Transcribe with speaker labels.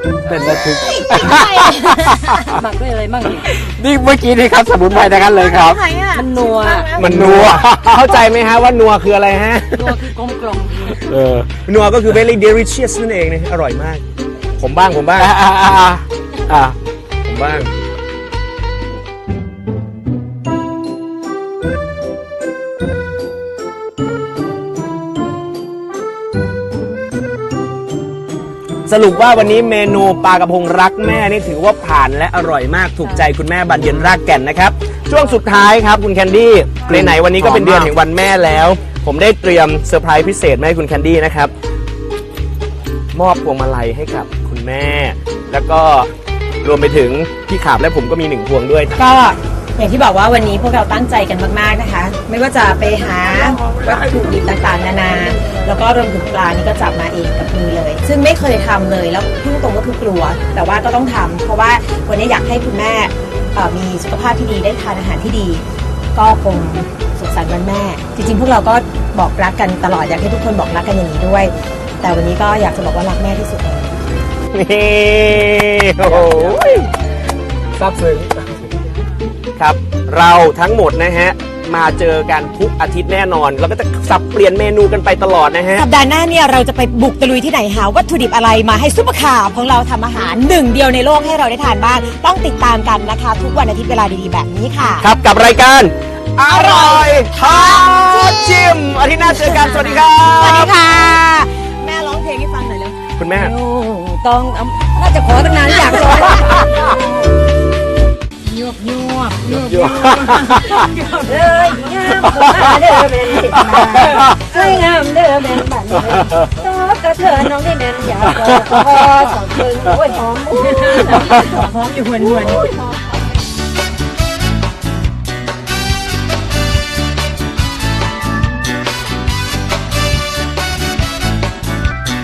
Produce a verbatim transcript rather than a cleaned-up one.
Speaker 1: เป็นระทึก
Speaker 2: หมักด้วยอะไรบ้าง
Speaker 1: นี่เมื่อกี้นี่ครับสมุนไพรทั้งนั้นเลยครับ
Speaker 2: มันนัว
Speaker 1: มันนัวเข้าใจไหมฮะว่านัวคืออะไรฮะ
Speaker 2: นัวคือกลมกล่อม
Speaker 1: เออ
Speaker 3: นัวก็คือ very delicious นั่นเองนะอร่อยมาก ผมบ้างผมบ้าง
Speaker 1: อ่ะอ่ะอ่ะอ่ะ
Speaker 3: ผมบ้างสรุปว่าวันนี้เมนูปลากระพงรักแม่นี่ถือว่าผ่านและอร่อยมากถูกใจคุณแม่บานเย็นรากแก่นนะครับช่วงสุดท้ายครับคุณแคนดี้ไหนๆวันนี้ก็เป็นเดือนแห่งวันแม่แล้ว ผมได้เตรียมเซอร์ไพรส์พิเศษมาให้คุณแคนดี้นะครับมอบพวงมาลัยให้กับคุณแม่ แล้วก็รวมไปถึงพี่ขาบและผมก็มีหนึ่งพวงด้วย
Speaker 4: ก็อย่างที่บอกว่าวันนี้พวกเราตั้งใจกันมากๆนะคะ ไม่ว่าจะไปหาวัตถุดิบต่างๆนานาแล้วก็รวมถึงปลานี่ก็จับมาเองกับมือเลย ซึ่งไม่เคยทำเลยแล้วพูดตรงก็คือกลัว แต่ว่าก็ต้องทำเพราะว่าวันนี้อยากให้คุณแม่เอ่อมีสุขภาพที่ดีได้ทานอาหารที่ดี ก็คงสุขสันต์วันแม่ จริงๆ พวกเราก็บอกรักกันตลอดอยากให้ทุกคนบอกรักกันอย่างนี้ด้วย แต่วันนี้ก็อยากจะบอกว่ารักแม่ที่สุดเลย
Speaker 3: นี่โอ้โหซาบซึ้งครับเราทั้งหมดนะฮะมาเจอกันทุกอาทิตย์แน่นอนเราก็จะสับเปลี่ยนเมนูกันไปตลอดนะฮะ
Speaker 4: สัปดาห์หน้าเนี่ยเราจะไปบุกตะลุยที่ไหนหาวัตถุดิบอะไรมาให้ซุปเปอร์คาร์ของเราทำอาหารหนึ่งเดียวในโลกให้เราได้ทานบ้างต้องติดตามกันนะคะ ทุกวันอาทิตย์เวลาดีๆแบบนี้ค่ะ
Speaker 3: ครับกับรายการอร่อยท้าชิมอาทิตย์หน้าเจอกันสวัสดีครับ
Speaker 4: สวัสดีค่ะ แม่ร้องเพลงให้ฟังหน่อยเร็ว
Speaker 3: คุณแม่
Speaker 2: ต้องน่าจะขอตั้งนานอยากจะยวบยวบยวบเลยงามเด้อเป็นสิบาสวยงามเด้อเป็นบันตัวกระเธอน้องได้แม่นอยากขอสองคนโอ้ยหอมหอมอยู่หวนหวน